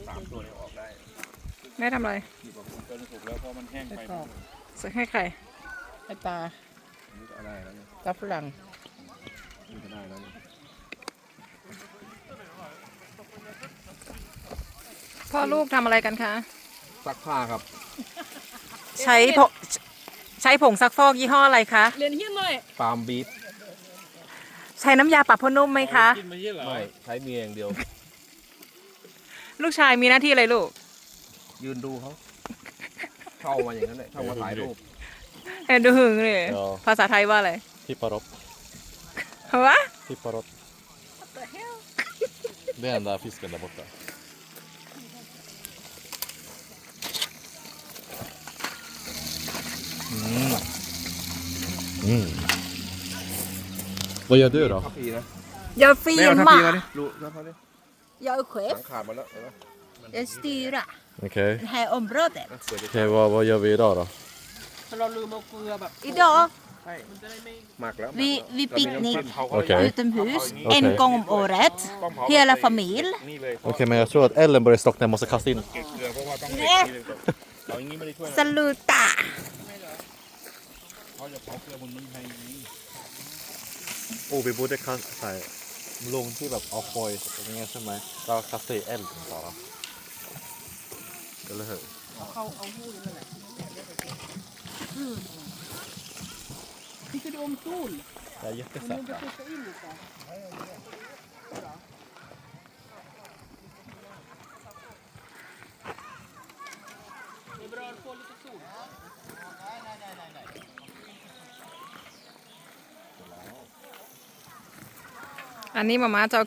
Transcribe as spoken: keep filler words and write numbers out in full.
สามตัวนี้ออกได้แม่ทำอะไรหยิบออกจนสุกแล้วเพราะมันแห้งไปซื้อให้ใครไอตานี่ก็ได้แล้วเนี่ยตาฝรั่งนี่ก็ได้แล้วเนี่ยพ่อลูกทำอะไรกันคะซักผ้าครับใช้ผงใช้ผงซักฟอกยี่ห้ออะไรคะเรียนเฮียนหน่อยฟาร์มบีฟใช้น้ำยาปรับผ้านุ่มไหมคะกินมาเยอะเหรอไม่ใช้เมียอย่างเดียวลูกชายมีหน้าที่อะไรลูกยืนดูเขาเข้ามาอย่างนั้นเลยเข้ามาถ่ายรูปเอ็นดูหึงเลย Ja. ภาษาไทยว่าอะไร Tippar upp. วะ Tippar upp. Det är den där fisken där borta. Mm. Mm. Vad gör du då? ทัพพีนะ Jag แม่เอาทัพพีมา filmar. ดิดูทัพพีดิ Jag är หลั chef. งขาดหมาแล้วเห็นไหม Jag styr Okej. det här området. อ่ะเปิดดิ Okej, vad, vad gör vi idag då? เราลืมเอาเกลือแบบ Idag มันจะได้ไม่หมักแล้ว vi, vi เรามีน้ำจิ้ picknick มเขาก็ Okej. utomhus Okej. en gång om året. ต้องเผา Hela familj. นี่เลย Okej, men jag tror att Ellen börjar slockna. Jag måste kasta in. เก็บเกลือเพราะว่าต้องเด็กทีเลยเราอย่างนี้ไม่ได้ช่วยนะ Saluta! เขาจะเผาเกลือบนเมืองไทยอย่างนี้ Oh, vi borde kasta lång tid av off boys. Som mig. Bara kasta i elden bara. Eller hur? เอาเข้าเอาหู้นั่นแหละพี่คือโดมตู้น Det är มัน jättesött. จะตัวอินหรือเปล่าอันนี้มาม่าจะเอา